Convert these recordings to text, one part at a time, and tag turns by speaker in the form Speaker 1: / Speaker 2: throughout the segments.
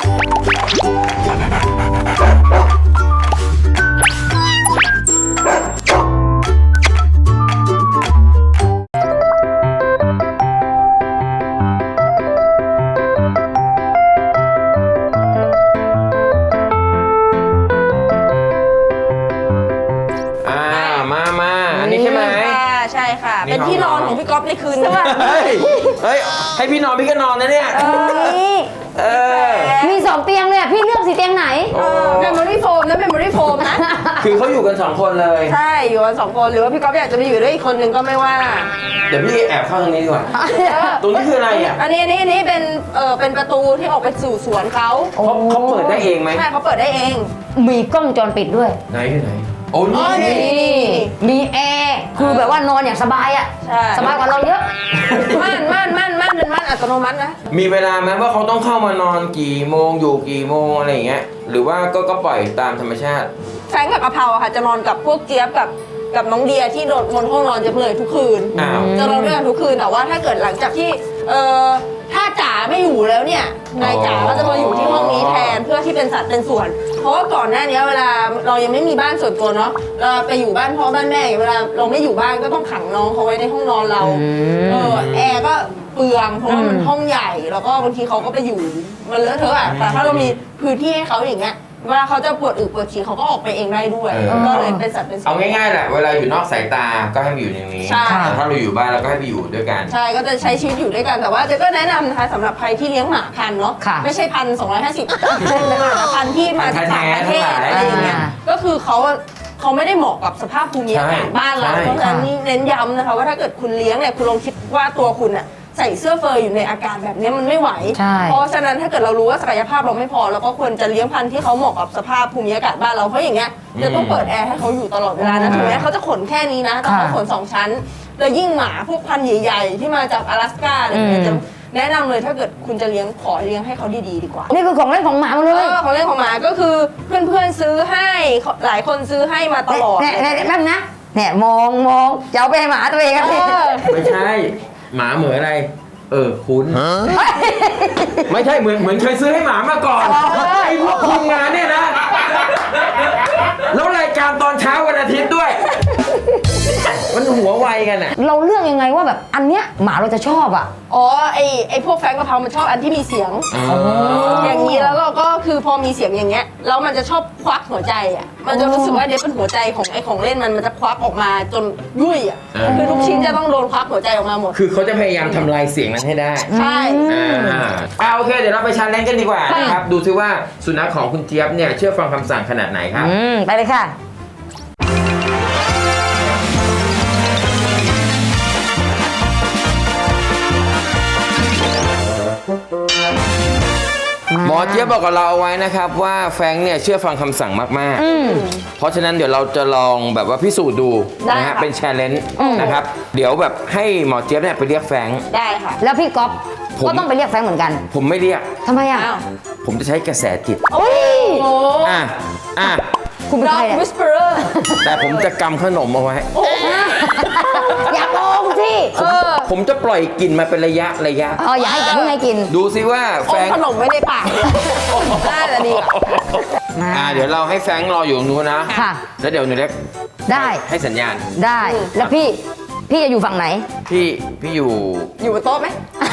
Speaker 1: เป็นที่นอนของพี่ก๊อฟในคืนนี้
Speaker 2: เฮ้ยให้พี่นอนพี่ก็นอนนะเนี่ย
Speaker 3: มี2 เตียงเลยพี่เลือกสิเตียงไหน
Speaker 1: เมมโมรี่โฟมนะเมมโมรี่โฟมนะ
Speaker 2: คือเขาอยู่กัน2 คนเลย
Speaker 1: ใช่อยู่กัน2 คนหรือว่าพี่ก๊อฟอยากจะไปอยู่ด้วยอีกคนนึงก็ไม่ว่า
Speaker 2: เดี๋ยวพี่แอบเข้าตรงนี้ดีกว่าตรงนี้คืออะไรอ่ะ
Speaker 1: อันนี้เป็นประตูที่ออกไปสู่สวนเขา
Speaker 2: เปิดได้เองไหม
Speaker 1: ใช่เขาเปิดได้เอง
Speaker 3: มีกล้องวงจรปิดด้วย
Speaker 2: ไหนโอ้นี่
Speaker 3: มีแอร์คือแบบว่านอนอย่างสบายอ่ะสบายกว่าเราเยอะ
Speaker 1: ม่านเป็นม่านอัตโนมัตินะ
Speaker 2: มีเวลาไหมว่าเขาต้องเข้ามานอนกี่โมงอยู่กี่โมงอะไรอย่างเงี้ยหรือว่าก็ปล่อยตามธรรมชาติ
Speaker 1: แฟงกับกะเพราค่ะจะนอนกับพวกเจี๊ยบกับน้องเดียที่นอนห้องนอนจะเลยทุกคืนจะนอนด้วยกันทุกคืนแต่ว่าถ้าเกิดหลังจากที่ถ้าจ๋าไม่อยู่แล้วเนี่ยนายจ๋าก็จะมาอยู่ที่ห้องนี้แทนเพื่อที่เป็นสัดเป็นส่วนเพราะว่าก่อนหน้านี้เวลาเรายังไม่มีบ้านส่วนตัวเนาะเราไปอยู่บ้านพ่อบ้านแม่เวลาเราไม่อยู่บ้านก็ต้องขังน้องเขาไว้ในห้องนอนเราแอร์ก็เปลืองเพราะว่ามันห้องใหญ่แล้วก็บางทีเขาก็ไปอยู่มันเลอะเทอะอ่ะแต่ถ้าเรามีพื้นที่ให้เขาอย่างเงี้ยเวลาเขาจะปวดอึปวดฉี่เขาก็ออกไปเองได้ด้วยก็เลยเป็นสัตว์เป็นส่วน
Speaker 2: เอาง่ายๆแหละเวลาอยู่นอกสายตาก็ให้มาอยู่อย่างนี้แต่ถ้าเราอยู่บ้านเราก็ให้ไปอยู่ด้วยกัน
Speaker 1: ใช่ก็จะใช้ชีวิตอยู่ด้วยกันแต่ว่าเจ๊ก็แนะนำนะคะสำหรับใครที่เลี้ยงหมาพันธุ์เนาะไม่ใช่1,250เป็นหมาพันธุ์ที่มาจากต่างประเทศอะไรอย่างเงี้ยก็คือเขาไม่ได้เหมาะกับสภาพภูมิอากาศบ้านเราเพราะฉะนั้นนี่เน้นย้ำนะคะว่าถ้าเกิดคุณเลี้ยงเนี่ยคุณลองคิดว่าตัวคุณอะใส่เสื้อเฟอร์อยู่ในอากาศแบบนี้มันไม่ไหวเพราะฉะนั้นถ้าเกิดเรารู้ว่าศักยภาพเราไม่พอเราก็ควรจะเลี้ยงพันธุ์ที่เขาเหมาะกับสภาพภูมิอากาศบ้านเราเพราะอย่างเงี้ยจะต้องเปิดแอร์ให้เขาอยู่ตลอดเวลานะถึงแม้เขาจะขนแค่นี้นะแต่เขาขน2 ชั้นแล้วยิ่งหมาพวกพันธุ์ใหญ่ๆที่มาจาก阿拉斯ก้าอะไรเงี้ยจะแนะนำเลยถ้าเกิดคุณจะเลี้ยงขอเลี้ยงให้เขาดีๆดีกว่า
Speaker 3: นี่คือของเล่นของหมาเลย
Speaker 1: ของเล่นของหมาก็คือเพื่อนๆซื้อให้หลายคนซื้อให้มาตลอด
Speaker 3: แป๊บนะเนี่ยมองจะเอาไปให้หมาตัวเองกัน
Speaker 2: ไม่ใช่หมาเหมือนอะไรคุ้นไม่ใช่เหมือนเคยซื้อให้หมามาก่อนไอ้พวกทีมงานเนี่ยนะแล้วรายการตอนเช้าวันอาทิตย์ด้วยมันหัวไวกันอ่ะ
Speaker 3: เราเลือกยังไงว่าแบบอันเนี้ยหมาเราจะชอบอ่ะ
Speaker 1: ไอพวกแฟงกะเพรามันชอบอันที่มีเสียงอย่างนี้แล้วเราก็คือพอมีเสียงอย่างเงี้ยแล้วมันจะชอบควักหัวใจอ่ะมันจะรู้สึกว่าเดี๋ยวเป็นหัวใจของไอของเล่นมันจะควักออกมาจนยุ่ยอ่ะคือทุกชิ้นจะต้องโดนควักหัวใจออกมาหมด
Speaker 2: คือเขาจะพยายามทำลายเสียงนั้นให้ได้
Speaker 1: ใช่
Speaker 2: โอเคเดี๋ยวเราไปชันเล่นกันดีกว่านะครับดูซิว่าสุนัขของคุณเจี๊ยบเนี่ยเชื่อฟังคำสั่งขนาดไหนครับ
Speaker 3: ไปเลยค่ะ
Speaker 2: หมอเจี๊ยบบอกกับเราเอาไว้นะครับว่าแฟรงค์เนี่ยเชื่อฟังคำสั่งมากๆเพราะฉะนั้นเดี๋ยวเราจะลองแบบว่าพิสูจน์ดูนะฮะเป็นแชร์เลนจ์นะครับเดี๋ยวแบบให้หมอเจี๊ยบเนี่ยไปเรียกแฟรงค์
Speaker 1: ได้ค่ะ
Speaker 3: แล้วพี่ก๊อฟก็ต้องไปเรียกแฟรงค์เหมือนกัน
Speaker 2: ผมไม่เรียก
Speaker 3: ทำไมอ่ะ
Speaker 2: ผมจะใช้กระแสจิต
Speaker 3: คุณเป็นใคร
Speaker 1: วิสเปอร์
Speaker 2: แต่ผมจะกำขนมเอาไว้
Speaker 3: อย่าโกงสิ
Speaker 2: ผมจะปล่อยกลิ่นมาเป็นระยะ
Speaker 3: อย่าให้เพิ่งให้กิน
Speaker 2: ดูซิว่าแฟรงค์
Speaker 1: ขนมไม่ในปากน่าจะดี
Speaker 2: เดี๋ยวเราให้แฟรงค์รออยู่ตรงนู้นนะแล้วเดี๋ยวหนูเล็ก
Speaker 3: ได้
Speaker 2: ให้สัญญาณ
Speaker 3: ได้แล้วพี่จะอยู่ฝั่งไหน
Speaker 2: พี่อยู่
Speaker 1: บนโต๊ะไหม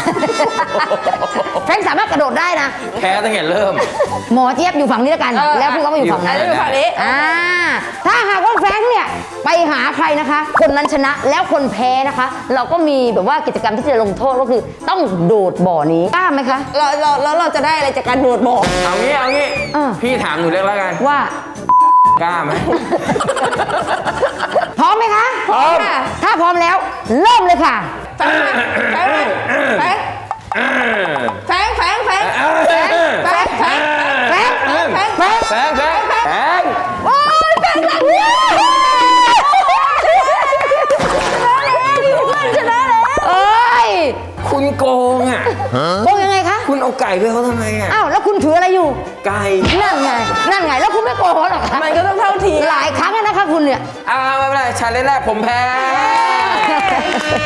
Speaker 3: แฟรงค์สามารถกระโดดได้นะ
Speaker 2: แพ้ตั้งแต่เริ่ม
Speaker 3: หมอเจี๊ยบอยู่ฝั่งนี้แล้วกันแล้วพี่ก็มาอยู่ฝั่งนั้นถ้าหากว่าแฟรงค์เนี่ยไปหาใครนะคะคนนั้นชนะแล้วคนแพ้นะคะเราก็มีแบบว่ากิจกรรมที่จะลงโทษก็คือต้องโดดบ่อนี้กล้าไหมคะ
Speaker 1: เราจะได้อะไรจากการโดดบ่อ
Speaker 2: เอางี้พี่ถามหนูเล็กแล้วกัน
Speaker 3: ว่าก
Speaker 2: ล้าไหม
Speaker 3: พร้อมไหมคะ
Speaker 2: พร้อม
Speaker 3: ถ้าพร้อมแล้วเริ่มเลยค่ะ
Speaker 1: แฟง
Speaker 3: โอ้ยแฟงหลังเนี่ยชนะแล้วเอ้ย
Speaker 2: คุณโกงอ่ะ
Speaker 3: โกงยังไงคะ
Speaker 2: คุณเอาไก่ไปเขาทำไมอ่ะ
Speaker 3: อ้าวแล้วคุณถืออะไรอยู่
Speaker 2: ไก่
Speaker 3: นั่นไงแล้วคุณไม่โกงหรอก
Speaker 1: มันก็ต้องเท่าที
Speaker 3: หลายครั้งแล้วนะคะคุณเนี่ย
Speaker 2: ไม่เป็นไรชาเลนจ์แรกผมแพ้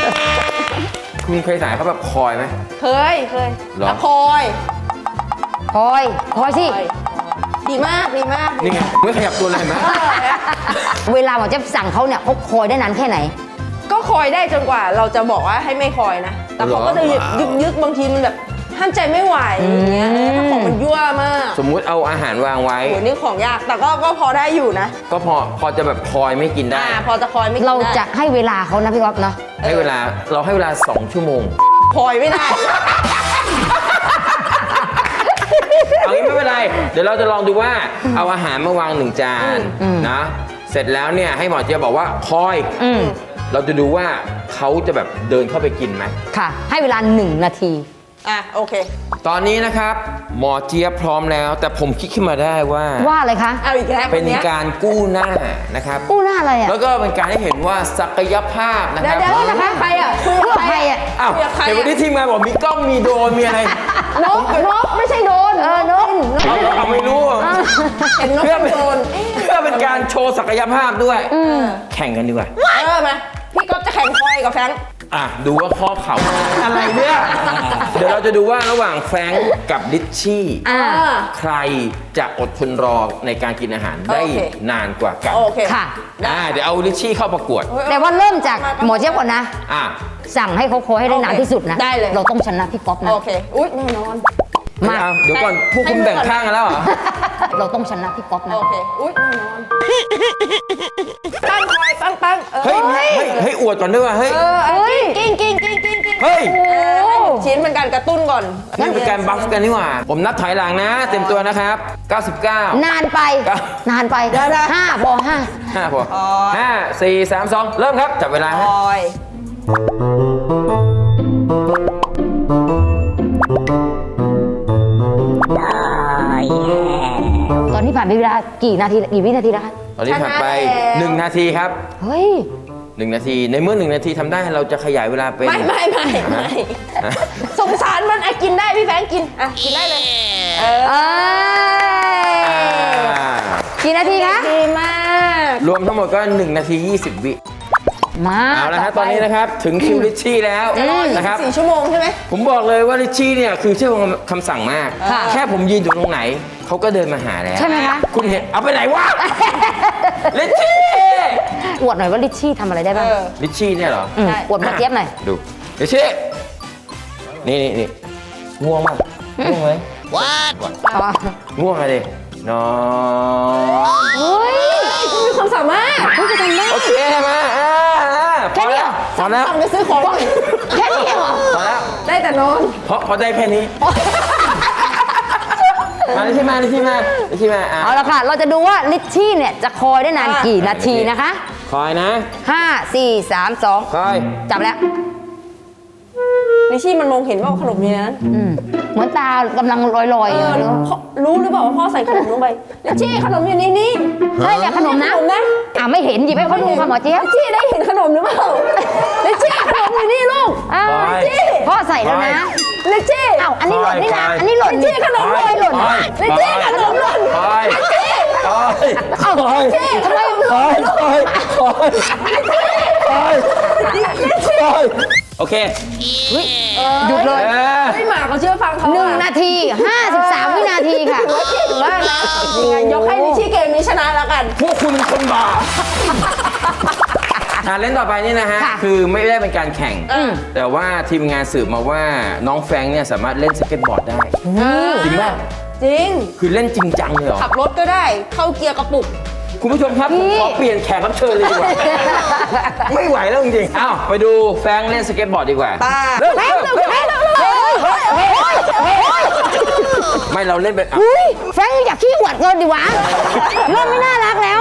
Speaker 2: คุณเคยสายเขาแบบคอยไหม
Speaker 1: เคย
Speaker 2: แล้ว
Speaker 1: คอย
Speaker 3: คอยสิ
Speaker 1: ดีมากดีมาก
Speaker 2: นี่ไงไม่ขยับตัวเลยเห็นไหม
Speaker 3: เวลาหมอเจี๊ยบสั่งเขาเนี่ยเขาคอยได้นานแค่ไหน
Speaker 1: ก็คอยได้จนกว่าเราจะบอกว่าให้ไม่คอยนะ แต่เขาก็จะยึกบางทีมันแบบห้ามใจไม่ไหวอย่างเงี้ยถ้าของมันยั่วมาก
Speaker 2: สมมุติเอาอาหารวางไว้
Speaker 1: โหนี่ของยากแต่ก็พอได้อยู่นะ
Speaker 2: ก็พอจะแบบคอยไม่กินได้
Speaker 1: พอจะคอยไม่กิน
Speaker 3: เรา
Speaker 1: ได้
Speaker 3: จะให้เวลาเขานะพี่ก๊อฟเนาะ
Speaker 2: ให้เวลา2 ชั่วโมง
Speaker 1: คอยไม่ได้
Speaker 2: เอางี้ไม่เป็นไร เดี๋ยวเราจะลองดูว่าเอาอาหารมาวาง1 จานนะ เสร็จแล้วเนี่ยให้หมอเจี๊ยบบอกว่าคอย เราจะดูว่าเขาจะแบบเดินเข้าไปกินไหม
Speaker 3: ค่ะ ให้เวลา1 นาที
Speaker 1: โอเค
Speaker 2: ตอนนี้นะครับหมอเจี๊ยบพร้อมแล้ว แต่ผมคิดขึ้นมาได้ว่า
Speaker 3: ว่าอะไรคะ
Speaker 1: เอาอีกแล้ว
Speaker 2: เป็น
Speaker 1: คนเนี้ย
Speaker 2: การกู้หน้านะครับ
Speaker 3: กู้หน้าอะไรอ่ะ
Speaker 2: แล้วก็เป็นการให้เห็นว่าศักยภาพนะค
Speaker 1: เดี๋
Speaker 2: รั
Speaker 1: ยว
Speaker 2: บ
Speaker 1: เดี๋ยวนะคะใครอ่ะคุย
Speaker 3: เพื่
Speaker 1: กับ
Speaker 3: อ
Speaker 1: ใค
Speaker 3: ใค
Speaker 1: ร
Speaker 3: ร
Speaker 1: อ่ะ
Speaker 3: อ่ะ
Speaker 2: อ้าว
Speaker 1: คุยกับใคร
Speaker 2: เดี๋ยววันนี้ทีมงานบอกมีกล้องมีโดรนมีอะไร
Speaker 1: นกไม่ใช่โดน
Speaker 3: นก
Speaker 2: เอาไม่รู้
Speaker 1: เห็นนก
Speaker 2: เพื่อ
Speaker 1: เป็นโดน
Speaker 2: เป็นการโชว์ศักยภาพด้วย แข่งกันดีกว่า
Speaker 1: มาพี่ก๊อฟจะแข่งคอยกับแฟรงค์
Speaker 2: ดูว่าข้อเข่าอะไรเนี่ย เดี๋ยวเราจะดูว่าระหว่างแฟรงก์กับลิชชี่ ใครจะอดทนรอในการกินอาหารได้
Speaker 1: โอเค
Speaker 2: นานกว่ากัน
Speaker 1: โอเค
Speaker 3: ค่ะ
Speaker 2: เดี๋ยวเอาลิชชี่เข้าประกวด
Speaker 3: แต่ว่าเริ่มจากหมอเจี๊ยบก่อนนะ
Speaker 2: อ่ะ
Speaker 3: สั่งให้เขาคอยให้ได้นานที่สุดนะ
Speaker 1: ได้เลย
Speaker 3: เราต้องชนะพี่ก๊อฟนะ
Speaker 1: โอเค อุ๊ยแน่นอน
Speaker 3: มา
Speaker 2: เอาเดี๋ยวก่อนพวกคุณแบ่งข้างกันแล้วเหรอ
Speaker 3: เราต้องชนะพี่ก๊อฟนะ
Speaker 1: โอเค อุ๊ยแน่นอนตั้งคอยตั้ง
Speaker 2: เฮ้ยอวดก่อนด้วยว่ะเฮ้ย
Speaker 1: กิ้ง
Speaker 2: เฮ้ย
Speaker 1: ให้ชิ้นเป็นการกระตุ้นก่อน
Speaker 2: นี่เป็นการบัฟกันนี่หว่า ผมนับถอยหลังนะ เต็มตัวนะครับ 99
Speaker 3: นานไป
Speaker 2: ครับ
Speaker 3: นานไปห้าพอห้า
Speaker 2: 5พอ5 4 3 2 เริ่มครับ จับเวลา
Speaker 1: ค
Speaker 2: ฮะ
Speaker 1: อย
Speaker 3: ตอนนี้ผ่านไปเวลากี่นาทีกี่วินาทีแล้วคะ
Speaker 2: ตอนนี้ผ่านไป 1 นาทีครับ
Speaker 3: เฮ้ย
Speaker 2: 1 นาที ในเมื่อ 1 นาทีทำได้เราจะขยายเวลาเป็น
Speaker 1: ไม่สงสารมันกินได้พี่แฟงกินกินได้เลย
Speaker 3: กี่นาทีคะ
Speaker 1: ดีมาก
Speaker 2: รวมทั้งหมดก็ 1 นาที 20 วิ
Speaker 3: มา
Speaker 2: เอาละครับตอนนี้นะครับ ถึงคิวลิชชี่แล้วนะครับ
Speaker 1: 4 ชั่วโมงใช่ไหม
Speaker 2: ผมบอกเลยว่าลิชชี่เนี่ยคือเชื่อคำสั่งมาก
Speaker 3: ค่ะ
Speaker 2: แค่ผมยืนอยู่ตรงไหน เขาก็เดินมาหาแล้ว
Speaker 3: ใช่ไหมคะ
Speaker 2: คุณเห็นเอาไปไหนวะ ลิชชี่
Speaker 3: อวดหน่อยว่าลิชชี่ทำอะไรได้บ้าง
Speaker 2: ลิชชี่เนี่ยเหรอ
Speaker 3: มอวดหมาเจี๊ยบหน่อย
Speaker 2: ดูลิชชี่นี่ง่วงมากง่วงไหม
Speaker 3: อ๋อ
Speaker 2: ง่วงอะไรนอน
Speaker 3: เฮ้ย
Speaker 1: มีความสามารถ
Speaker 3: เฮ้ยจะทำได้
Speaker 2: โอเคมาพอแล้วพอแล้ว
Speaker 1: สั่งไปซื้อของก่อน
Speaker 3: แค่นี้เหรอ
Speaker 2: พอแล้ว
Speaker 1: ได้แต่นอน
Speaker 2: เพราะได้แค่นี้ มาลิชชี่มา
Speaker 3: เอาละค่ะ เราจะดูว่าลิชชี่เนี่ยจะคอยได้นานกี่นาทีนะคะ
Speaker 2: คอยนะ
Speaker 3: 5 4 3 2
Speaker 2: คอย
Speaker 3: จับแล้ว
Speaker 1: ลิชี่มันมองเห็นว่าขนมอยู่ในนั้น
Speaker 3: เหมือนตากำลังลอยๆอยู่รู้
Speaker 1: รู้หรือเปล่าว่าพ่อใส่ขนมลงไปลิชี่ขนมอยู่ในนี้
Speaker 3: ใช่เนี่ยขนมนะ
Speaker 1: ขนมนะ
Speaker 3: ไม่เห็นหยิบให้เขาดูค่ะหมอเจี๊ยบ
Speaker 1: ลิชี่ได้เห็นขนมหรือเปล่าลิชี่ขนมอยู่นี่ลูก
Speaker 3: อ้าว
Speaker 2: คอย
Speaker 3: พ่อใส่แล้วนะ
Speaker 1: ลิชี่
Speaker 3: อ้าวอันนี้หล่นนี่นะ
Speaker 2: คอย
Speaker 3: อันนี้หล่น
Speaker 1: ลิชี่ขนมหล่น
Speaker 3: หล่น
Speaker 1: ลิชี่ขนมหล่น
Speaker 2: คอย
Speaker 1: ลิชี่
Speaker 2: คอย
Speaker 3: อ้าว
Speaker 2: คอย
Speaker 3: ทำไม
Speaker 2: คอยโอเค
Speaker 3: หยุดเลย
Speaker 1: ไม่หมาเขาเชื่อฟังเขา
Speaker 3: 1 นาที 53 วินาทีค่ะ
Speaker 1: เก่งมากนะยังไงยกให้ลิชี่เกมนี้ชนะแล้วกัน
Speaker 2: พวกคุณเป็นคนบาปเล่นต่อไปนี่นะฮะ
Speaker 3: ค่ะ
Speaker 2: คือไม่ได้เป็นการแข่ง แต่ว่าทีมงานสืบมาว่าน้องแฟรงค์เนี่ยสามารถเล่นสเก็ตบอร์ดได้ จริงป่ะ
Speaker 1: จริง
Speaker 2: คือเล่นจริงจังเลยเหรอ
Speaker 1: ขับรถก็ได้เข้าเกียร์กระปุก
Speaker 2: คุณผู้ชมครับผมขอเปลี่ยนแขกรับเชิญเลยดีกว่า ไม่ไหวแล้วจริงๆอ้าวไปดูแฟรงค์เล่นสเก็ตบอร์ดดีกว่า
Speaker 1: ตา
Speaker 2: เริ่มไม่เราเล่นแบบ
Speaker 3: อุ้ยแฟรงค์อยากขี้อวดเกินดิวะเริ่มไม่น่ารักแล้ว